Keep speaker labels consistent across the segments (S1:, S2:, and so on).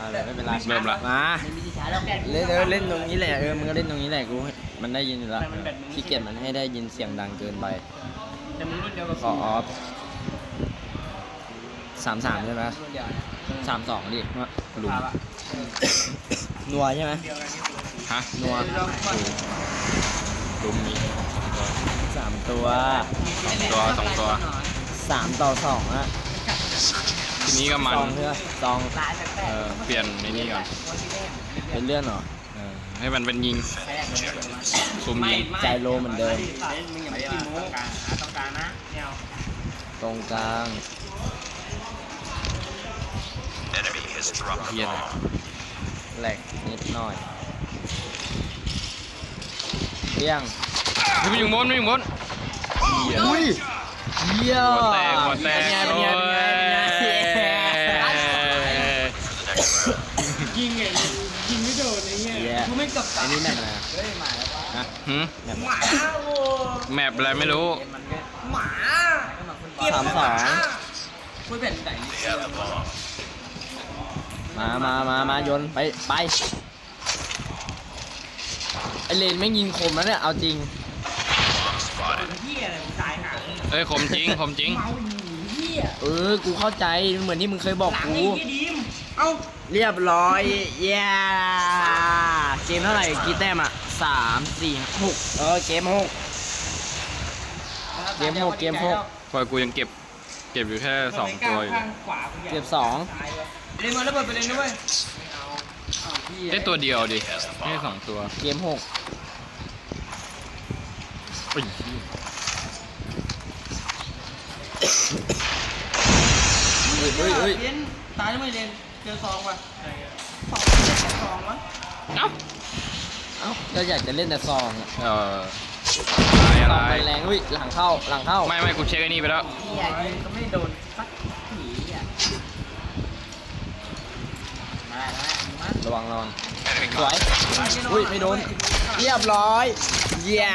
S1: ไม่เป็นไร
S2: เริ่มละ
S1: มาเล่นตรงนี้แหละมึงก็เล่นตรงนี้แหละกูมันได้ยินอยู่แล้วขี้เกียจมันให้ได้ยินเสียงดังเกินไปขอออฟ33ใช่ไหม32ดิลุมนัวใช่ไหม
S2: ฮะ
S1: นัว
S2: ลุมมี
S1: 3 ตัว
S2: 2 ตัว
S1: 3 ต่อ 2อะ
S2: ทีนี้ก็มัน
S1: ซองเพื่อซอง
S2: เปลี่ยนในนี้ก่อน
S1: เป็นเลื่อนเหรอ
S2: ให้มันเป็นยิงซุ่มยิง
S1: ใจโลเหมือนเดิมตรงกลาง
S2: เฮียเลย
S1: แหลกนิดหน่อยเลี้ยง
S2: ไม่อยู่บนเฮีย
S1: อุ้ยเยี่ย
S2: หัวแตก
S1: เป็นไงเป็นไงเป็นไง
S3: ยิงไม่โดนไอ้เงี้ยกูไม่กลับ
S1: อันนี้แมปอะไรฮะ
S2: หืม
S1: แมป
S3: หมาโอ้
S2: แมปอะไรไม่รู้
S3: หมา
S1: 32
S3: พูดเป็นไหน
S1: มาโยนไปไอเลนไม่ยิงคมแล้วเนี่ยเอาจริง
S3: เหี้ยอะไรตายหา
S2: เอ้ยคมจริง
S3: เมาอยู่เหี้ย
S1: กูเข้าใจเหมือนที่มึงเคยบอก
S3: หลัง
S1: กู
S3: ไอ้เหี้ยดิมเอ้า
S1: เรียบร้อยเย้เกมเท่าไหร่กี่แต้มอ่ะ3 4 6เกม 6 เกม 6 เกม 6
S2: พอกูยังเก็บอยู่แค่2 ตัวอยู่
S3: ข้างขวา
S1: เก็บ
S3: เล่นมาแล้วเปิดไปเลยนะเว้ย
S2: ได้ตัวเดียวดิไม่ใช่2 ตัว
S1: 2 เกม 6
S2: อุ้ย
S1: เฮ้ย
S3: เล่นตายแล้วไม่เล่นเจอซองว่ะซองวะ
S2: เอ้า
S1: เอ้าเราอยากจะเล่นแต่ซองอะ
S2: อะไร
S1: ซองมันแรงอุ้ยหลังเข้า
S2: ไม่กูเช็คไอ้นี่ไปแล้ว
S3: เหี้ยยิงก็ไม่โดนสักทีอ่ะมา
S1: ระวังสวยอุ้ยไม่โดนเรียบร้อยเย้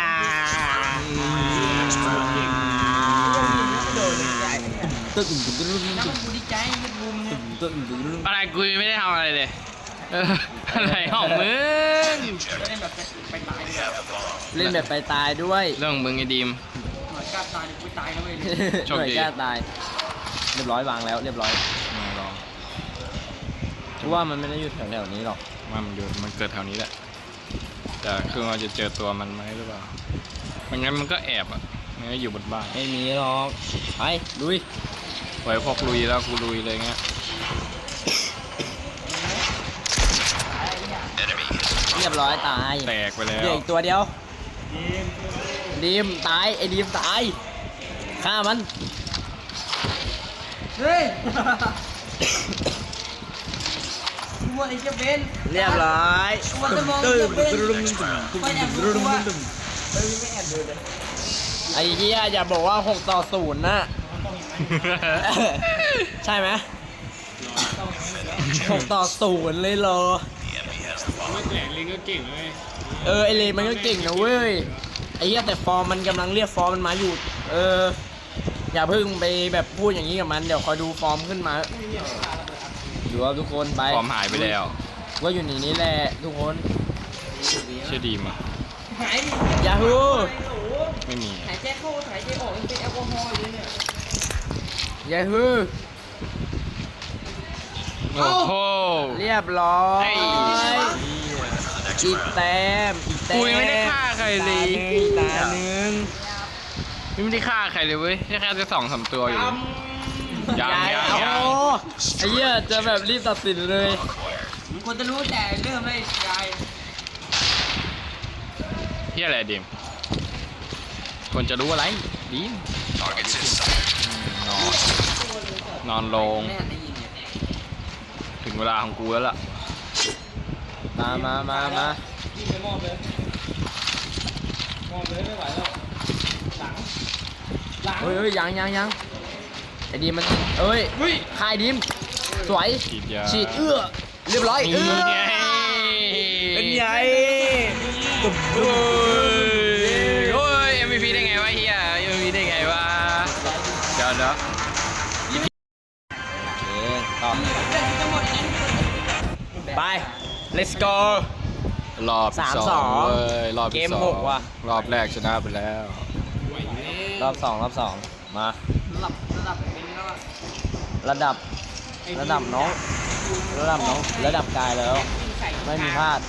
S1: ตึ้ง
S3: น้ำมันกูดีใจยึดบุมเนี่ย
S2: อะไรกูยังไม่ได้ทำอะไรเลยอะไรของมึง
S3: เล่นแบบไปตายเลย
S1: เล่นแบบไปตายด้วย
S2: เรื่องของมึงไอ้ดีม
S3: หน่วยกล้าตายเดี๋ยวกูตายนะเว้ย
S2: โชคดี
S1: หน่วยกล้าตายเรียบร้อยวางแล้วเรียบร้อย
S2: มาลอง
S1: เพราะว่ามันไม่ได้อยู่แถวๆนี้หรอก
S2: มันเกิดแถวนี้แหละแต่คือเราจะเจอตัวมันไหมหรือเปล่าไม่งั้นมันก็แอบมันก็อยู่บนบ้าน
S1: ไม่มีหรอกไปลุย
S2: ไว้พอกลุยแล้วกูลุยเลยเงี้ย
S1: เรียบร้อยตาย
S2: แตกไปแล้
S1: เหลือ
S2: ว
S1: อีกตัวเดียวดีมตายไอ้ดีมตายฆ่ามัน
S3: เฮ้ยวัวไอ้เจ้าเบน
S1: เรียบร้อย
S3: วัวจะมอง
S1: ตึ้
S3: เจ้าเบน
S1: ม
S3: ไปแอบดูวัวเฮ้ยไม่แอบดูเลย
S1: ไอ้เหี้ยอย่าบอกว่า6-0นะ ใช่ไหม6-0เลยเหรอไอเลนมันก็เก่งนะเว้ยไอ้เหี้ยแต่ฟอร์มมันกำลังเรียกฟอร์มมันมาอยู่อย่าเพิ่งไปแบบพูดอย่างนี้กับมันเดี๋ยวคอยดูฟอร์มขึ้นมาดูว่าทุกคนไป
S2: ฟอร์มหายไปแล้ว
S1: ว่าอยู่ในนี้แหละทุกคน
S2: เชื่อดีมา
S3: หาย
S1: ยาฮู
S2: ไม่มี
S3: หายใจเข้าหายใจออกยังเป็นแอลกอฮอล์อยู่เนี่ย
S1: ยาฮู
S2: โอ้โห
S1: เรียบร้อย
S2: ไอ้
S1: อีกแต้มอีกแต้ม
S2: กูยังไม่ได้ฆ่าใครเลย
S1: ตาหนึ่ง
S2: ไม่ได้ฆ่าใครเลยเว้ยแค่จะ2-3 ตัวอยู่ยัง
S1: โอ้ไอ้เหี้ยจะแบบรีบตัดสินเลย
S3: มึงควรจะรู้แต่เริ่มเลยยาย
S2: เฮียอะไรดีมควรจะรู้อะไรดีมนอนลง
S3: แม่ได้ยินเนี่ย
S2: ถึงเวลาของกูแล้วล่ะ
S1: มา
S3: ยิงไปมอบเลยไม่ไหวแล้วหลัง
S1: เฮ้ยยังไอ้ดีมมันเอ้ยคายดีมสวย
S2: ฉีดยา
S1: ฉีดเรียบร้อย
S2: นี่ไง
S1: เป็นไง
S2: โอ้ย MVP ได้ไงวะเฮีย MVP ได้ไงวะเดี๋ยว
S1: โอเคต่อ
S3: เรื่องจะหมดนั้น
S1: ไป let's go
S2: รอบที่สอง
S1: 3-2
S2: เว้ยรอบที่
S1: เกม
S2: สอง
S1: หกว่ะ
S2: รอบแรกชนะไปแล้ว
S1: รอบสองมา
S3: ระดับเป็นแล้วอะ
S1: ระดับน้องระดับกายแล้ว ไม่มีพลาด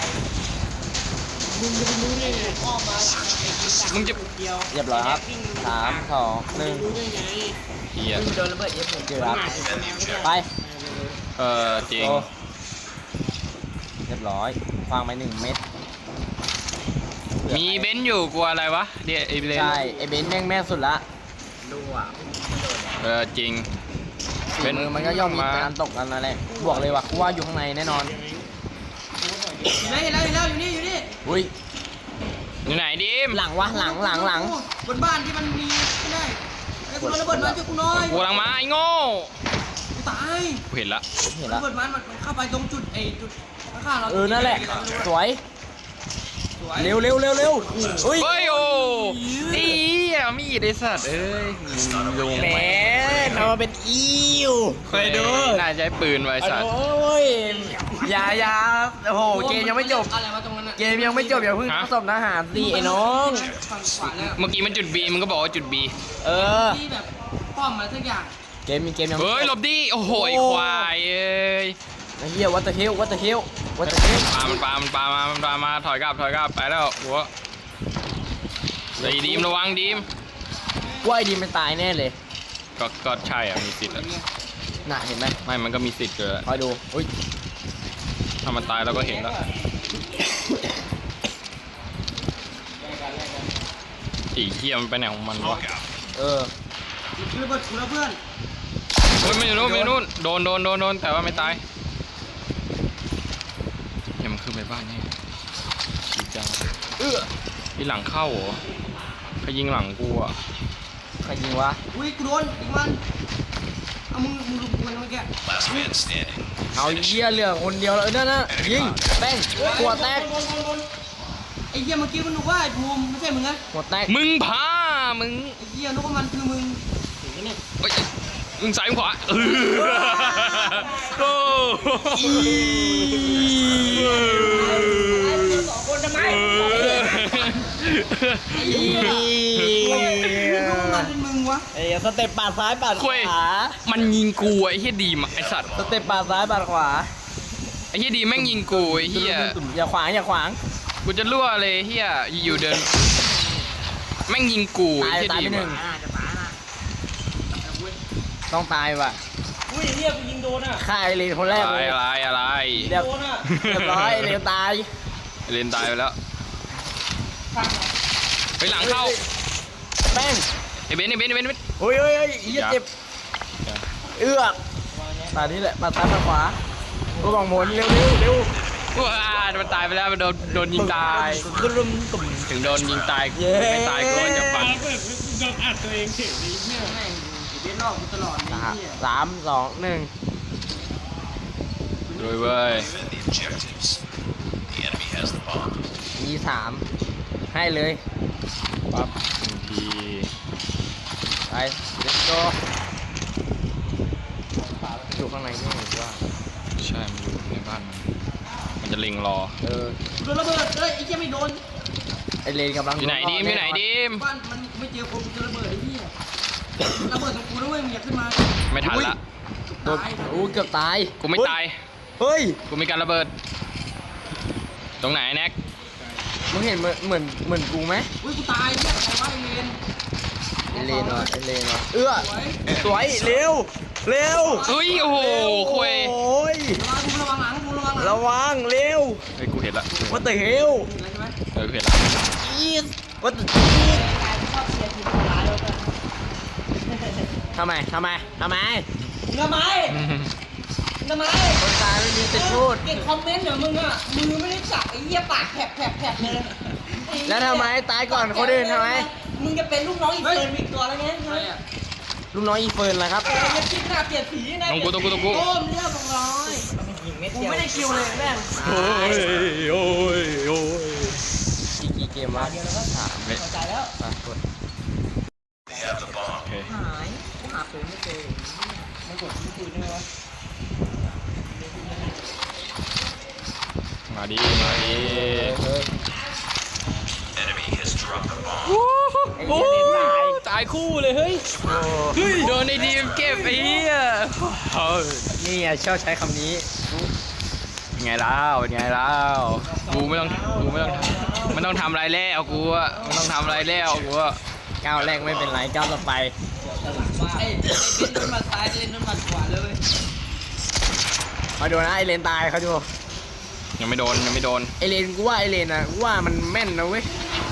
S3: มึงจะไปรู้ได้ไงอ้อมมาหลังไอ้กินสัก
S2: มึงจะ
S3: เดียว
S1: เรียบร้อยครับ3 2
S3: รู้ได้ไง
S2: เฮีย
S3: มึงโดนระเบิดเย็บผม
S1: 1เกือบไป
S2: จริง
S1: โอ้เรียบร้อยฟังไป1 เม็ด
S2: มีเบนซ์อยู่กลัวอะไรวะเดี๋ยวไอ้เบนซ์
S1: ใช่ไอเบนซ์แม่งสุดละ
S3: ดูอ่ะ
S2: จริง
S1: ฝีมือมันก็ย่อมมีการตกกันนั่นแหละบอกเลยว่ากูว่าอยู่ข้างในแน่นอน
S3: อยู่นี่อยู่นี่
S1: อุ้ย
S2: อยู่ไหนดิม
S1: หลังวะหลัง
S3: บนบ้านที่มันมีไม่ได้ไอ้กูโดนระเบิดมาช่วยกูหน่อย
S2: กูกำลังมาไอ้โง่
S3: กูตาย
S2: กูเห็นละ
S1: เห็น
S3: ระ
S1: ละ
S3: เบิดมันเข้าไปตรงจุดไอ้จุดข้างๆเรา
S1: นั่นแหละสวย
S3: สวย
S1: เร็วอุ้ย
S2: เฮ้ยโอ้นี่มีดไอ้สัตว์เอ้ยลง
S1: แหม
S2: ไป
S1: ทำมาเป็นอิวเคยดู
S2: น่าใช้ปืนไว้ไอ้สัตว์
S1: โอ้ยอย่าโอ้โหเกมยังไม่จบ
S3: อะไรวะตรงนั้นอะ
S1: เกมยังไม่จบอย่าเพิ่งสบทหารสิไอ้น้อง
S3: ฝั่งขวาแล้ว
S2: เมื่อกี้มันจุด B มันก็บอกว่าจุด B
S1: เออ
S3: ที่แบบป้อมอะไรสักอย่าง
S1: เกมยัง
S2: เฮ้ยหลบดิโอ้โหไอ้ควายเอ้ย
S1: ไอ้เหี้ยวัตเตอร์เฮล
S2: ปลามาถอยกลับไปแล้วหัวไอ้ดีมระวังดีม
S1: ว่าไอ้ดีมันตายแน่เลย
S2: ก็ใช่อ่ะมีสิทธิ์อ่ะ
S1: น่ะเห็นไหม
S2: ไม่มันก็มีสิทธิ์เกิด
S1: คอยดูอุ้ย
S2: ถ้ามันตายเราก็เห็นแล้วอีเหี้ยมันไปไหนของมันวะ
S1: เออ
S3: คือระเบิดกูแล้วเพื่อน
S2: เฮ้ยไม่อยู่นู่นโดนแต่ว่าไม่ตายเหี้ยมันขึ้นไปบ้านนี่ชีจ้าที่หลังเข้าเหรอเขายิงหลังกูอ่ะ
S1: ใครยิงวะ
S3: อุ้ยกูโดนอีกมันเอามึงลุกมันเมื่อกี้
S4: Last man standing.
S1: เอาเหี้ยเหลือคนเดียวแล้วนั่นนะยิงแป้งหัวแตก
S3: ไอ้เหี้ยเมื่อกี้มันนึกว่าไอ้ภูมิไม่ใช่มึงนะ
S1: หัวแตก
S2: มึงพามึง
S3: ไอ้เหี้ยนึกว่ามันคือมึง
S2: เฮ้ยมึงซ้ายมึงขวาโอ้
S3: สองคนทำไม
S1: อี
S3: นึกว่ามันเป็นมึงวะ
S1: ไอ้สเต็ปปาดซ้ายปาดข
S2: คุยว
S1: า
S2: มันยิงกูไอ้เฮียดีมไอ้สัตว์
S1: สเต็ปปาดซ้ายปาดขวา
S2: ไอ้เฮียดีแม่งยิงกูไอ้เฮีย
S1: อย่าขวาง
S2: กูจะรั่วเลยเฮียอยู่เดินแม่งยิงกูไอ้เฮีย
S1: ตาย
S2: ดี
S1: ไปหนึ่ง
S3: จะตายนะ
S1: ต้องตายว่ะ
S3: อุ้ยเหี้ยกูยิงโดนอ่ะ
S1: ฆ่าไอเลนคนแรก
S2: อะไร
S1: เลย
S2: อะไร
S1: เรียบร้อยไอเลนตาย
S2: เล่นตายไปแล้วไปหลังเข้า
S1: แป้ง
S2: ไอ้เบนซ์
S1: โอ้ยเหี้ยเจ็บเอื้อกตานี้แหละปาดซ้ายปาดขวากูบอกหมุนเร็ว
S2: ว้ามันตายไปแล้วมันโดนยิงตาย
S1: ตุ่ม
S2: ถึงโดนยิงตาย
S1: เย้
S2: ไม่ตายก็จะฟัน
S3: แม่งอยู่เล่นรอบกูตลอดเลยเหี้ย
S1: 3 2 1
S2: ด้วยเว้ย
S4: Even the objectives. The enemy has the bomb.
S1: มี3ให้เลย
S2: ปั๊บหนึ่งที
S1: ไป let's go อยู่ข้างในนี่หรือว่า
S2: ใช่มันอยู่ในบ้านมันจะเล็งรอ
S3: โดนระเบิดเอ้ยไอ้เหี้ยไม่โดน
S1: ไอเลนกำลัง
S2: อยู่ไหนดีม
S3: บ้านมันไม่เจอคนกูจะระเบิดไอ้เหี้ยระเบิดตรงกูนะเว้ยมึงอย่าขึ้นมา
S2: ไม่ทันละ
S1: โดนเกือบตาย
S2: กูไม่ตาย
S1: เฮ้ย
S2: กูมีการระเบิด ตรงไหนแน็ก
S1: มึงเห็นเหมือนกูไหม
S3: อุ้ยกูตายเนี่ยใครว่าไอ้เลน
S1: ไอเลนวะสวยเร็ว
S2: เฮ้ยโอ้โหคุย
S1: โอ้ย
S3: ระวังหลังกูระวังหลัง
S1: ระวังเร็ว
S2: เฮ้ยกูเห็นละ
S1: What the hell
S3: เห็นแล้วใช่ไหม
S2: กูเห็นละ
S1: Jeez What the ทำไม
S3: ทำไม
S1: คนตายไม่มีสิทธิ์พูด
S3: เก่งคอมเมนต์เหรอมึงอ่ะมือไม่ได้จับไอ้เหี้ยปากแผลบเลย
S1: แล้วทำไมตายก่อนคนอื่นทำไม
S3: มึงจะเป็นลูกน้องอีกเฟิร์นอีกตัวแล้วไงใช่
S1: ลูกน้องอีเฟิร์นล่ะครับ
S3: จะคิดหน้าเปลี่ยนสีนะ
S2: ตรงกู
S3: โอ้มเรียบร้อยกูไม่ได้คิวเลยแม่ง
S2: โอ้ย
S1: กี่เกมวะ3
S2: เฮ้ย
S3: พอใจแล้ว
S1: ไปกด
S4: They have the bomb.
S2: โอเค
S3: หายกูหาปืนไม่เจอไม่กดที่ปืนได้ไหมวะ
S2: มาดิมาดิ
S4: Enemy has dropped the bomb.
S1: ไอ้เหี้ยเล่นตาย
S2: ตายคู่เลยเฮ้ยโดนไอ้ดีมเก็บไอ้เหี้ย
S1: นี่อ่ะชอบใช้คำนี้
S2: เป็นไงแล้วเป็นไงแล้วกูไม่ต้องทำอะไรแล้วกูอะไม่ต้องทำอะไรแล้วกูอะ
S1: ก้าวแรกไม่เป็นไรก้าวต่อไป
S3: ไอ้เล่นนุ่นมาซ้ายเล่นนุ่นมาขวาเลย
S1: มาดูนะไอเลนตายเขาดู
S2: ยังไม่โดนยังไม่โดน
S1: ไอเลนกูว่าไอเลนนะกูว่ามันแม่นนะเว้ย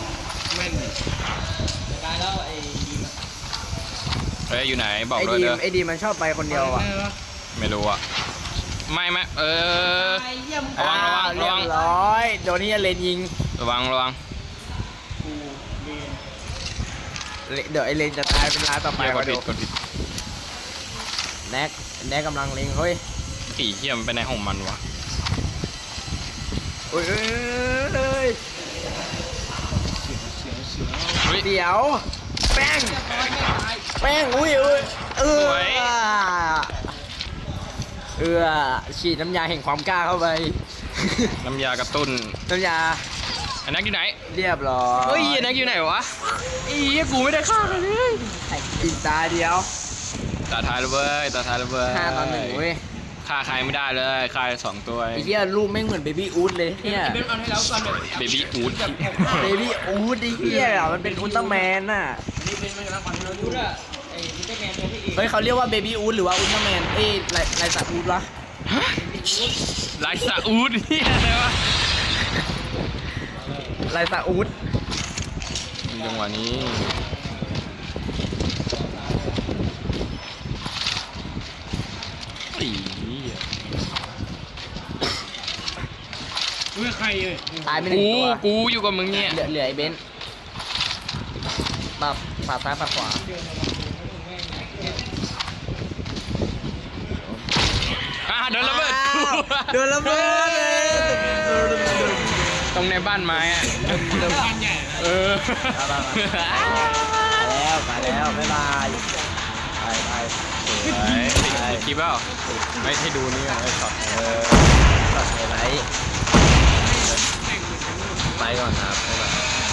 S3: ตายแล้วไอ้ดีม
S2: เฮ้ยอยู่ไหนบอก
S1: ไอ
S2: ด้วย
S1: ดี
S2: เด้
S1: ม
S2: อ
S1: ไอดีมมันชอบไปคนเดียวอ่ะ
S2: ไม่รู้อะไม่
S3: ไ
S2: เออ
S3: อ้เหี้ยมึง
S2: ระวังระวัง
S1: เรียบร้อยโดนนี่เลนยิง
S2: ระวังระวัง
S1: เดี๋ยวไอเลนจะตายเป็นลายต่อไป
S2: เหี้ยก
S1: มา
S2: ด
S1: ดู
S2: ผิดกดผิด
S1: แน็กกำลังเล็งเฮ้ย
S2: อีเหี้ยมันไปในของมันวะ
S1: เฮ้ย
S2: เฮ้ย
S1: เดี๋ยวแป้ง
S3: ไม่ตาย
S1: แป้งอุ้ยฉีดน้ำยาแห่งความกล้าเข้าไป
S2: น้ำยากระตุ้น
S1: น้ำยา
S2: อันนักอยู่ไหน
S1: เรียบร้อย
S2: เฮ้ยอันนักอยู่ไหนวะอีเหี้ยกูไม่ได้ฆ่าเลย
S1: อีกตาเดียว
S2: ตาทายเลยเว้ยตาทายเลยเว้ย
S1: 5-1เว้ย
S2: ฆ่าใครไม่ได้เลยฆ่าสองตัว
S1: ไอ้เหี้ยรูปแม่งเหมือนเบบี้อู๊ดเลยเนี่ย
S3: เบนเอาให้แล้วก่อนแบบ
S2: เบบี้อูด
S1: เบบี้อู๊ดไอ้เหี้ยมันเป็นอุลตร้าแมนน่ะ
S3: นี่เป็นมันกำลังปั่นเราดูด้วยไอ้ดิจิแมนตัวที่เอง
S1: เฮ้ยเขาเรียกว่าเบบี้อู๊ดหรือว่าอุลตร้าแมนเอ้ยไรสัตว์อู๊ดวะ
S2: ไลซาอูดนี่อะไรวะ
S1: ไรสัตว์อู๊ด
S2: จังหวะนี้อี
S3: อุ้ยใครเอ้ย
S1: ตายไปหนึ่งตัว
S2: กูอยู่กับมึงเนี่ย
S1: เหลือไอ้เบนซ์ปัดซ้ายปัดขวา
S2: โดนระเบิด
S1: โดนระเบิดเลย
S2: ตรงในบ้านไม้อะ
S3: บ้านใหญ่
S2: เออ
S1: มาแล้วบ๊ายบายไป
S2: ติดคลิปเปล่าไม่ให้ดูนี่ไอ้ช็อต
S1: ตัดไฮไลท์ไปก่อนครับบ๊ายบาย